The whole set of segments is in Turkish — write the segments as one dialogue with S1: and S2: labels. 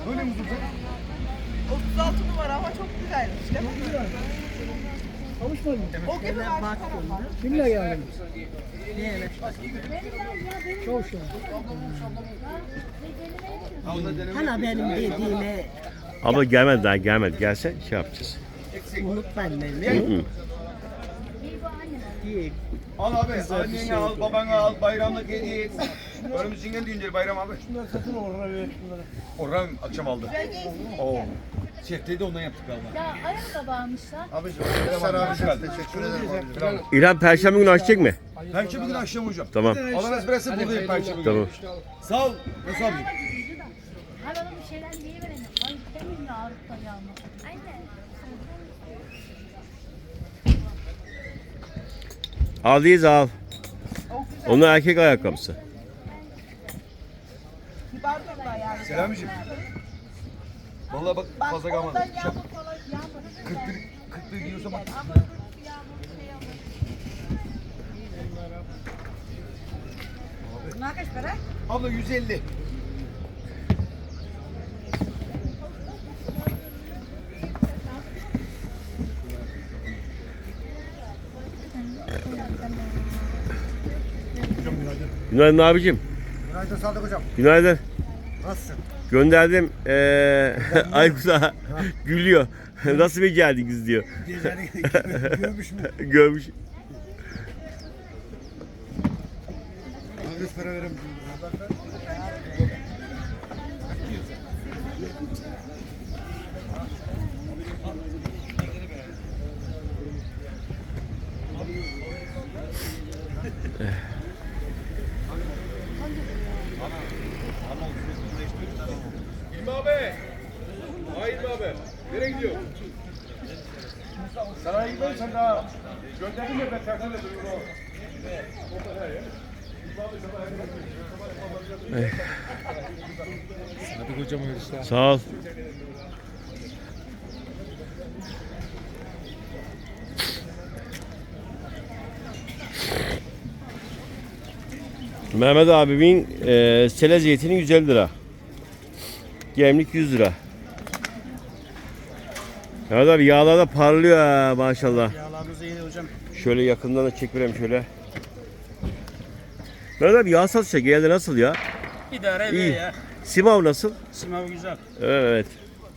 S1: Böyle mi tutacak?
S2: 36 numara ama çok güzelmiş değil mi?
S3: Kavuşmadın mı?
S2: O gibi var.
S3: Kimle geldin?
S2: Niye?
S3: Kavuşmadın.
S4: Hala benim dediğime
S5: Abla gelmedi daha gelmedi. Gelse şey yapacağız.
S4: unutma
S5: Hı
S4: beni.
S5: hı.
S4: Değil.
S1: Al abi,
S4: Güzel bir
S1: annene
S4: şey
S1: al,
S4: değil.
S1: babana al, bayramlık hediye et. Önümüzün düğünleri bayram abi.
S3: Şunları satın oraya ver şunları.
S1: Orhan akşam aldı. Oo. Şeftali de ondan yaptık galiba.
S6: Ya ayakkabı almışlar.
S1: Abi, sen abi teşekkür ederim.
S5: İlhan Perşembe günü açacak mı?
S1: Perşembe günü akşam hocam.
S5: Tamam.
S1: Allah espresso buradayım Perşembe günü.
S5: Tamam.
S1: Sağ ol. Nasıl abi?
S6: Hay bana bir şeyler yiyiverelim. Ay demin ya Avrupa yağmur. Anne.
S5: Aldıyız al. Onun erkek ayakkabısı.
S2: Kibar da yani.
S1: Selamicim. Vallahi bak fazla kalmadı.
S2: Ondan yağmur falan yağmur.
S1: 41 giyiyorsa bak.
S2: Ama bunlar kaç para?
S1: Abla 150.
S5: Günaydın abicim.
S1: Günaydın Sadık hocam.
S5: Günaydın.
S1: Nasılsın?
S5: Gönderdim. Aykut'a gülüyor. Nasıl becerdiniz diyor.
S1: Geceleri görmüş mü?
S5: Görmüş.
S1: Adres para veremem. İlmi abi. Hayır abi. Nereye gidiyor? Sana gitmem sen daha. Gönderdim ya ben tersine duruyorum.
S7: Hadi kocam işte.
S5: Sağ ol. Mehmet abimin sele zeytini 150 lira. Gemlik 100 lira. Mehmet abi yağlar da parlıyor ha maşallah.
S3: Yağlarınız iyi hocam.
S5: Şöyle yakından da çekelim şöyle. Mehmet abi yağ satışa geldi nasıl ya?
S3: İdare
S5: İyi.
S3: ediyor ya.
S5: Simav nasıl?
S3: Sınav güzel.
S5: Evet.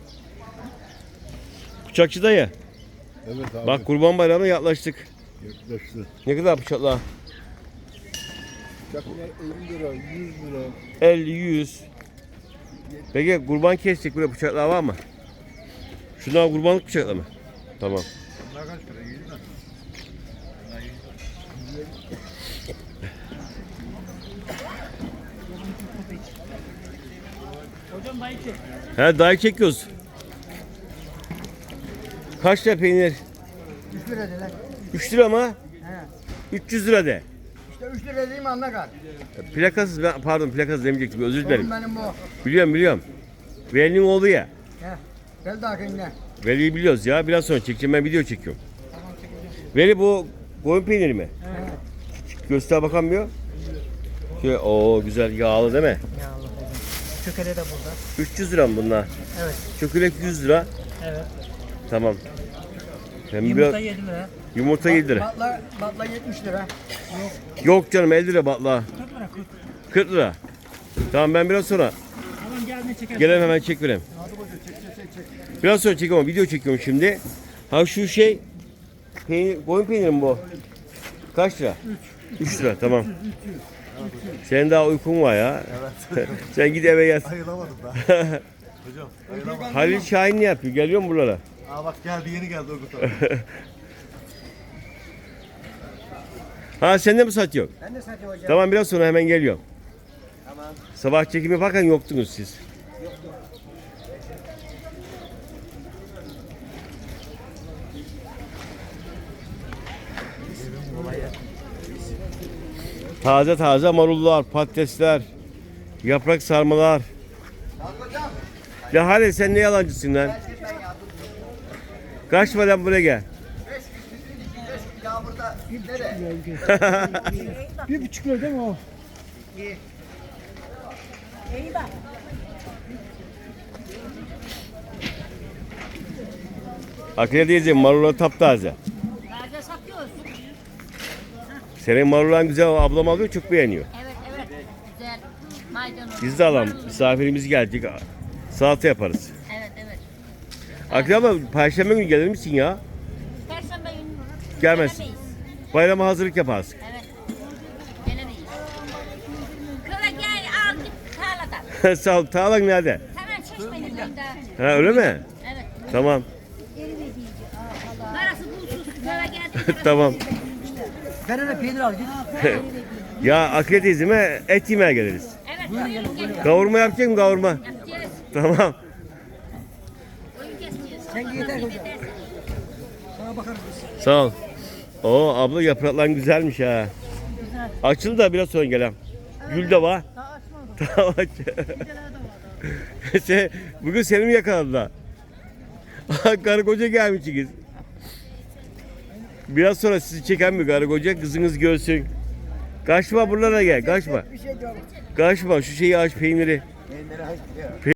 S5: Bıçakçı dayı.
S8: Evet abi.
S5: Bak Kurban Bayramı'na yaklaştık.
S8: Yaklaştı.
S5: Ne kadar bıçaklar?
S8: Çakma 50 lira, 100 lira.
S5: 50, 100. Peki kurban kestik böyle bıçaklar var mı? Şunlar kurbanlık bıçaklar mı? Tamam.
S1: Bunlar kaç para? 100 lira.
S3: Hocam dayı çek.
S5: He dayı çekiyoruz. Kaç lira peynir?
S3: 3 lira de lan.
S5: 3 lira mı?
S3: He.
S5: 300 lira de.
S3: İşte 3 lira değil mi anla kal.
S5: Plakasız ben pardon plakasız demeyecektim özür dilerim.
S3: Benim bu.
S5: Biliyorum. Veli'nin oğlu ya.
S3: He. Gel daha kendine.
S5: Veli'yi biliyoruz ya. Biraz sonra çekeceğim ben video çekiyorum. Veli bu koyun peyniri mi?
S3: He.
S5: Göster bakamıyor. Şöyle o güzel yağlı değil mi?
S3: Yağlı hocam. Çökele de burada.
S5: 300 lira mı bunlar?
S3: Evet.
S5: Çökelek 100 lira.
S3: Evet.
S5: Tamam. Hem
S3: Yumurta
S5: biraz,
S3: 7 lira.
S5: yumurta 7 lira.
S3: Batla 70 lira.
S5: Yok canım 50 lira batla.
S3: 40 lira 40.
S5: 40 lira. Tamam ben biraz sonra
S3: Tamam gelme çekelim.
S5: gelen hemen çek vereyim. Biraz sonra çek ama video çekiyorum şimdi. Ha şu şey peynir, koyun peyniri mi bu? Kaç lira? 3 lira tamam. Senin daha uykun var ya. Evet. Sen git eve yat.
S8: Ayılamadım da. Hocam ayılamadım.
S5: Halil Şahin ne yapıyor? Geliyor mu buralara?
S8: Aa bak geldi yeni geldi Urgut abi.
S5: Ha sen de mi satıyorsun?
S3: Ben de satayım hocam.
S5: Tamam biraz sonra hemen geliyorum.
S3: Tamam.
S5: Sabah çekimi yaparken yoktunuz siz. Taze taze marullar, patatesler, yaprak sarmalar. Ya Halil sen ne yalancısın lan? Kaç falan buraya gel.
S1: Ya burada nere?
S3: 1,5 lira değil mi o?
S2: İyi bak.
S5: Akile diyeceğim marula taptaze.
S6: Taze satıyoruz.
S5: Senin marulan güzel ablam alıyor çok beğeniyor.
S6: Evet evet. Güzel. Maydanoz.
S5: Biz de alalım. Misafirimiz gelecek. Salata yaparız.
S6: Evet evet.
S5: Akile abla Perşembe günü gelir misin ya?
S6: Perşembe günü
S5: Gelmezsin.
S6: gelemeyiz.
S5: Bayrama hazırlık yaparız.
S6: Evet. Gelemeyiz. Köye gel al git tarladan.
S5: Sağ ol. Tağlan nerede?
S6: Hemen Çeşme'nin önünde.
S5: Ha öyle mi?
S6: Evet.
S5: Tamam.
S6: Parası bulsuz köye geldi.
S5: Tamam.
S3: Ben öyle peynir al git.
S5: Ya Akile teyzeme et yemeye geliriz.
S6: Evet buyurun gelin.
S5: Kavurma yapacak mı kavurma?
S6: Yapacağız.
S5: Tamam.
S6: Oyun keseceğiz.
S3: Sen yeter hocam. Sana bakarız biz.
S5: Sağ ol. Oo abla yapraklar güzelmiş ha. Açıldı da biraz sonra gelen. Gül de var. Tamam aç. Bugün seni mi yakaladılar? Karı koca gelmişsiniz. Biraz sonra sizi çeken mi karı koca kızınız görsün. Kaçma buralara gel kaçma. Kaçma şu şeyi aç peyniri.